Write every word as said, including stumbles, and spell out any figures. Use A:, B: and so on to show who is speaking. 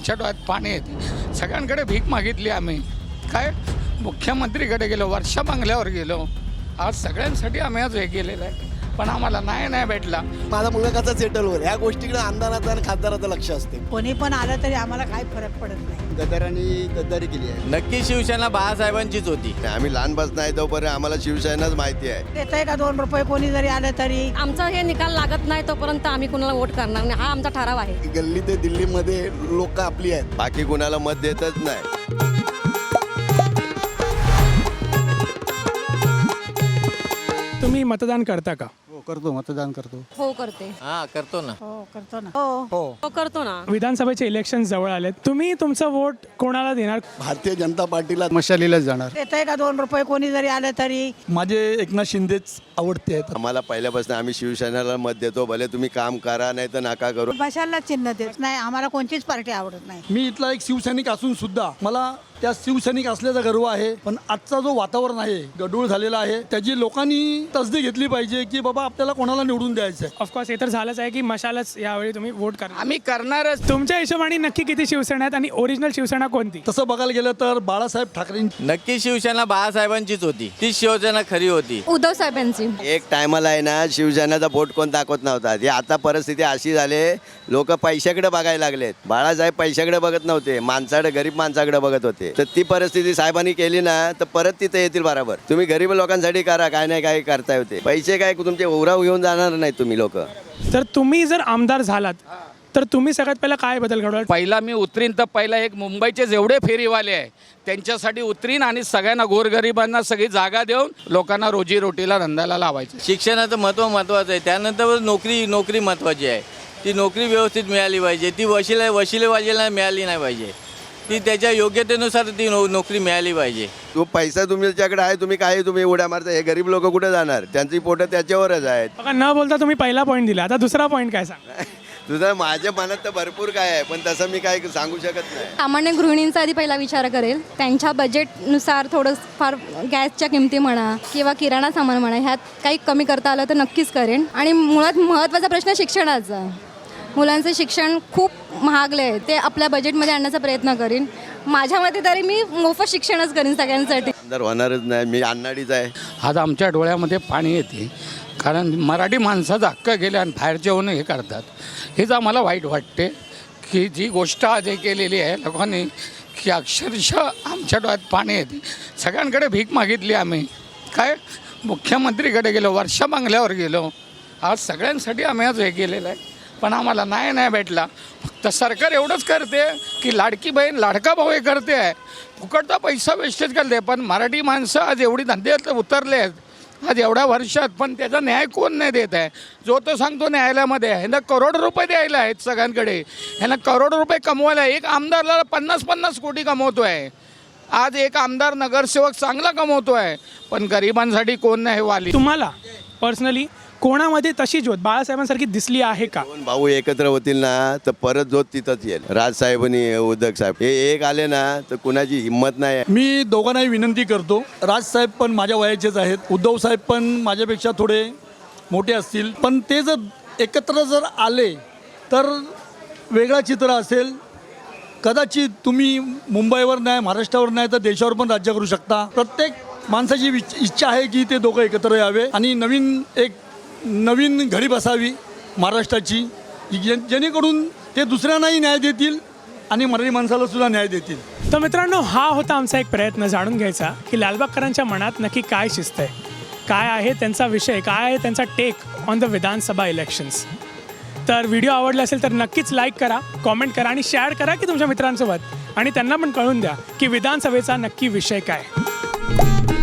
A: आमच्या डोळ्यात पाणी येते. सगळ्यांकडे भीक मागितली आम्ही, काय मुख्यमंत्रीकडे गेलो, वर्षा बंगल्यावर गेलो, आज सगळ्यांसाठी आम्ही आज हे केलेलं आहे, पण आम्हाला नाही नाही भेटला.
B: माझा मुलगा कसा सेटल होईल ह्या गोष्टीकडे आमदाराचं आणि खासदाराचं लक्ष असते.
C: कोणी पण आलं तरी आम्हाला काही फरक पडत नाही.
B: गद्दारांनी गद्दारी केली आहे.
D: नक्की शिवसेना बाळासाहेबांचीच होती.
B: आम्ही लहानपासून नाही तोपर्यंत आम्हाला शिवसेनाच माहिती आहे.
C: देत का दोन रुपये कोणी जरी आलं तरी
E: आमचा हे निकाल लागत नाही तोपर्यंत आम्ही कुणाला वोट करणार नाही, हा आमचा ठराव आहे.
B: गल्ली ते दिल्लीमध्ये लोक आपली आहेत, बाकी कुणाला मत देतच नाही.
F: तुम्ही मतदान करता का?
G: हो करतो, मतदान करतो.
E: हो करते.
D: हा करतो ना.
C: हो करतो ना. हो
E: हो करतो ना.
F: विधानसभेचे इलेक्शन जवळ आले, तुम्ही तुमचा वोट कोणाला देणार?
B: भारतीय जनता पार्टीला
G: मशालीलाच जाणार.
C: देत का दोन रुपये कोणी जरी आलं तरी
G: माझे एकनाथ शिंदेच आवडते आहेत.
B: आम्हाला पहिल्यापासून आम्ही शिवसेनेला मत देतो, भले तुम्ही काम करा नाही तर नका करू.
C: भाषाला चिन्ह देत नाही, आम्हाला कोणतीच पार्टी आवडत नाही.
G: मी इथला एक शिवसैनिक असून सुद्धा मला त्या शिवसैनिक असल्याचा गर्व आहे. पण आजचा जो वातावरण आहे, गडूळ झालेला आहे, त्याची लोकांनी तसदी घेतली पाहिजे की बाबा आपल्याला कोणाला निवडून द्यायचं आहे.
F: ऑफकोर्स हे तर झालंच आहे की मशालच यावेळी तुम्ही वोट करणार.
A: आम्ही करणारच.
F: तुमच्या हिशोबाने नक्की किती शिवसेना आहेत आणि ओरिजिनल शिवसेना कोणती?
G: तसं बघायला गेलं तर बाळासाहेब ठाकरेंची
D: नक्की शिवसेना बाळासाहेबांचीच होती. ती शिवसेना खरी होती.
E: उद्धव साहेबांची.
B: एक टायमाला आहे ना शिवसेनेचा वोट कोण दाखवत नव्हता. ही आता परिस्थिती अशी झाली, लोक पैशाकडे बघायला लागलेत. बाळासाहेब पैशाकडे बघत नव्हते, माणसाकडे, गरीब माणसाकडे बघत होते. तर ती परिस्थिती साहेबांनी केली ना तर परत तिथे येतील बरोबर. तुम्ही गरीब लोकांसाठी करा, काय नाही काय करता होते. पैसे काय तुमचे उराव घेऊन जाणार नाही तुम्ही लोक.
F: तर तुम्ही जर आमदार झालात तर तुम्ही सगळ्यात पहिला काय बदल घडवाल?
A: पहिला मी उतरीन तर पहिला एक मुंबईचे जेवढे फेरीवाले आहे त्यांच्यासाठी उतरीन आणि सगळ्यांना गोरगरिबांना सगळी जागा देऊन लोकांना रोजीरोटीला धंद्याला लावायचं.
D: शिक्षणाचं महत्त्व महत्त्वाचं आहे. त्यानंतर नोकरी नोकरी महत्त्वाची आहे. ती नोकरी व्यवस्थित मिळाली पाहिजे. ती वशिले वशिलेबाजीला मिळाली नाही पाहिजे. ती त्याच्या योग्यतेनुसार ती नो नोकरी मिळाली पाहिजे.
B: तो पैसा तुमच्याकडे आहे, तुम्ही काय तुम्ही उड्या मारता. हे गरीब लोक कुठे जाणार? त्यांची पोटं त्याच्यावरच आहेत.
F: बघा, न बोलता तुम्ही पहिला पॉईंट दिला, आता दुसरा पॉईंट काय सांग?
B: तुझं माझ्या मनात तर भरपूर काय आहे, पण तसं मी काय सांगू शकत नाही.
E: सामान्य गृहिणींचा आधी पहिला विचार करेल. त्यांच्या बजेटनुसार थोडं फार गॅसच्या किमती म्हणा किंवा किराणा सामान म्हणा ह्यात काही कमी करता आलं तर नक्कीच करेन. आणि मुळात महत्त्वाचा प्रश्न शिक्षणाचा. मुलांचं शिक्षण खूप महागले आहे, ते आपल्या बजेटमध्ये आणण्याचा प्रयत्न करीन. माझ्या मते तरी मी मोफत शिक्षणच करीन सगळ्यांसाठी.
B: तर होणारच नाही. मी अन्नाडीच आहे.
A: आज आमच्या डोळ्यामध्ये पाणी येते, कारण मराठी माणसाचा हक्क गेले आणि बाहेरचे होऊन हे करतात. हेच आम्हाला वाईट वाटते की जी गोष्ट आज हे केलेली आहे लोकांनी, की अक्षरशः आमच्या डोळ्यात पाणी येते. सगळ्यांकडे भीक मागितली आम्ही, काय मुख्यमंत्रीकडे गेलो, वर्षा बंगल्यावर गेलो, आज सगळ्यांसाठी आम्ही आज हे केलेलं आहे, पण आम्हाला नाही नाही भेटला. फक्त सरकार एवढंच करते की लाडकी बहीण लाडका भाऊ हे करते आहे, फुकटचा पैसा वेस्टेज करते. पण मराठी माणसं आज एवढी धंद्यात उतरले आहेत आज एवढ्या वर्षात, पण त्याचा न्याय कोण नाही देत आहे. जो तो सांगतो न्यायालयामध्ये ह्यांना करोड रुपये द्यायला आहेत सगळ्यांकडे, ह्यांना करोड रुपये कमवायला. एक आमदारला पन्नास पन्नास कोटी कमवतो आहे आज. एक आमदार नगरसेवक चांगला कमवतो आहे, पण गरिबांसाठी कोण नाही वाली.
F: तुम्हाला पर्सनली कोणामध्ये तशी ज्योत बाळासाहेबांसारखी दिसली आहे का?
B: दोन भाऊ एकत्र होतील ना तर परत जोत तिथंच येईल. राजसाहेब आणि उद्धव साहेब हे एक आले ना तर कुणाची हिंमत नाही.
G: मी दोघांनाही विनंती करतो. राजसाहेब पण माझ्या वयाचेच आहेत, उद्धव साहेब पण माझ्यापेक्षा थोडे मोठे असतील, पण ते जर एकत्र जर आले तर वेगळा चित्र असेल. कदाचित तुम्ही मुंबईवर नाही, महाराष्ट्रावर नाही तर देशावर पण राज्य करू शकता. प्रत्येक माणसाची विच इच्छा आहे की ते दोघं एकत्र यावे आणि नवीन एक नवीन घडी बसावी महाराष्ट्राची, जे जेणेकरून ते दुसऱ्यांनाही न्याय देतील आणि मराठी माणसाला सुद्धा न्याय देतील.
F: तर मित्रांनो, हा होता आमचा एक प्रयत्न जाणून घ्यायचा की लालबागकरांच्या मनात नक्की काय शिस्त आहे, काय आहे त्यांचा विषय, काय आहे त्यांचा take on the Vidhan Sabha elections. तर व्हिडिओ आवडला असेल तर नक्कीच लाईक करा, कॉमेंट करा आणि शेअर करा की तुमच्या मित्रांसोबत, आणि त्यांना पण कळून द्या की विधानसभेचा नक्की विषय काय.